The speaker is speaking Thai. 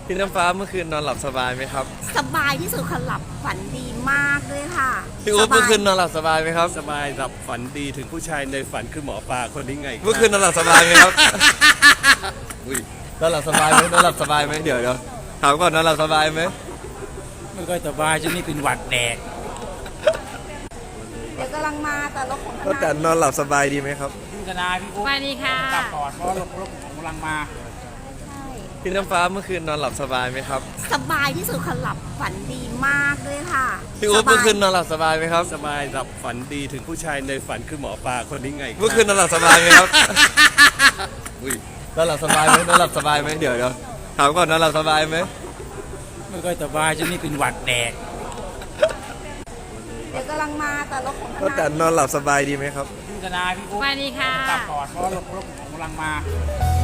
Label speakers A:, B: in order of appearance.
A: พี่น้ำฟ้าเมื่อคืนนอนหลับสบายไหมครับ
B: สบายที่สุดค่ะหลับฝันดีมากด้วยค่ะ
A: พี่อุ๊บเมื่อคืนนอนหลับสบายไหมครับ
C: สบายหลับฝันดีถึงผู้ชายในฝันคือหมอปลาคนนี้ไง
A: เมื่อคืนนอนหลับสบายไหมครับ อุ้ยนอนหลับสบายไหมนอนหลับสบายไหมเดี๋ยวถามก่อนนอนหลับสบายไหม
D: ไม่ค่อยสบายช่วงนี้เป็นหวัดแดก
B: เดี๋ยวกำลังมาแต่รถของท
A: ก็แต่
B: นาย
A: นอนหลับสบายดีไหมครับ
D: พี่ธนาพี่อุ๊บ
E: สวัสดีค่ะ
D: กลับก่อนเพราะรถกำลังมา
B: ใช่
A: พี่น้ำฟ้าเมื่อคืนนอนหลับสบายไหมครับ
B: สบายที่สุดค่ะหลับฝันดีมากด้วยค่ะ
A: พี่อุ๊บเมื่อคืนนอนหลับสบายไหมครับ
C: สบายหลับฝันดีถึงผู้ชายในฝันคือหมอปลาคนนี้ไง
A: เมื่อคืนนอนหลับสบายไหมครับ อุ้ยนอนหลับสบายไหมนอนหลับสบายไหมเดี๋ยวถามก่อนนอนหลับสบายไหม
D: ไม่ค่อยสบายช่วงนี้เป็นหวัดแดก
B: เดี๋ยวกำลังมาแต่รถของท
A: ก็
B: นาย
A: แต่นอนหลับสบายดีไหมครับ
D: พี่ธนาพี่อุ๊บ
E: สวัสดีค่ะ
D: กลับก่อนเพราะรถกำลังมา
B: ใ